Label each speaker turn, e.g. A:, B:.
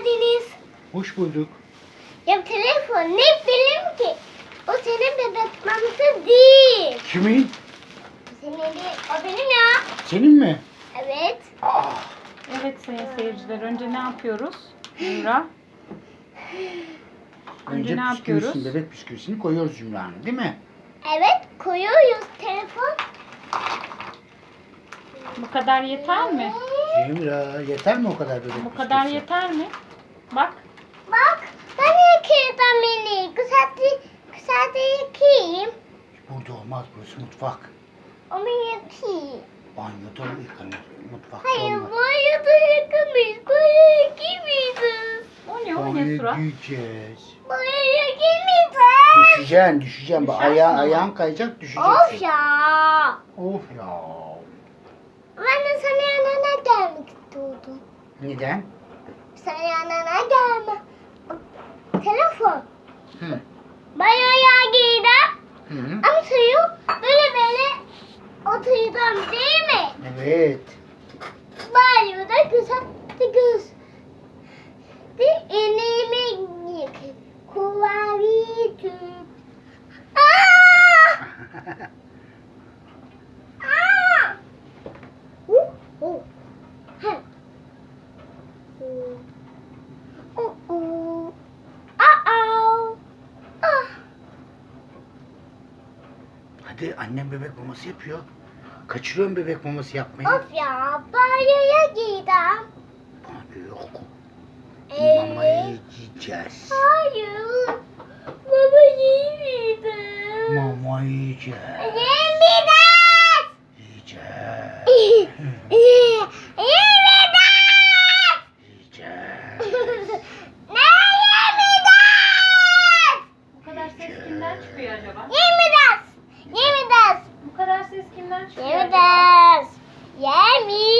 A: geldiniz.
B: Hoş bulduk.
A: Ya telefon ne bileyim ki? O senin bebek maması değil.
B: Kimin?
A: Senin değil. O benim ya.
B: Senin mi?
A: Evet.
B: Aa,
C: Evet sayın seyirciler. Önce ne yapıyoruz? Zümra.
B: önce
C: ne yapıyoruz?
B: bebek bisküvisini koyuyoruz Zümra'nın, değil mi?
A: Evet koyuyoruz telefon.
C: Bu kadar yeter mi?
B: Zümra, yeter mi o kadar bebek
C: Bu kadar
B: bisküvisi?
C: yeter mi? Bak.
A: Bak ben yıkayacağım beni. Güzelce yıkayayım.
B: Burada olmaz, burası mutfak.
A: Onu yıkayayım.
B: Banyoda yıkanır, mutfakta
A: Hayır
B: olmaz.
A: banyoda yıkamayız. Banyoya yıkamayacağız.
C: O ne? O ne
B: Banyo
C: surat?
B: giyeceğiz.
A: Banyoya yıkamayacağız.
B: Düşeceksin. Bak,
C: Düşersin ama.
B: ayağın kayacak, düşeceksin.
A: Of ya.
B: Of ya.
A: Ben de sana yanına gelmek istiyordum.
B: Neden?
A: Sana yanına gelme. Telefon.
B: Hı.
A: Banyoya girdim.
B: Hı.
A: Ama suyu böyle oturacağım değil mi?
B: Evet.
A: Banyoda güzel göz. Bir elimi yıkayım. Kuvari tüp. Aa! Aa! Ha. Ah.
B: Hadi, annem bebek maması yapıyor. Kaçırıyorum bebek maması yapmayı.
A: Of ya, banyoya girdim.
B: Banyo yok.
A: Ee?
B: Mamayı yiyeceğiz.
A: Hayır. Baba yemeyeceğim.
B: Mama yiyeceğiz.
A: Yemeyeceğiz.
B: Yiyeceğiz.
A: Yemeyeceğiz.
B: Yiyeceğiz.
A: Ne yemeyeceğiz?
C: Bu kadar ses kimden çıkıyor acaba?
A: Yemeyeceğiz. Yemeyeceğiz.
C: Bu kadar ses kimden çıkıyor acaba?
A: Yemeyeceğiz. Yemeyeceğiz.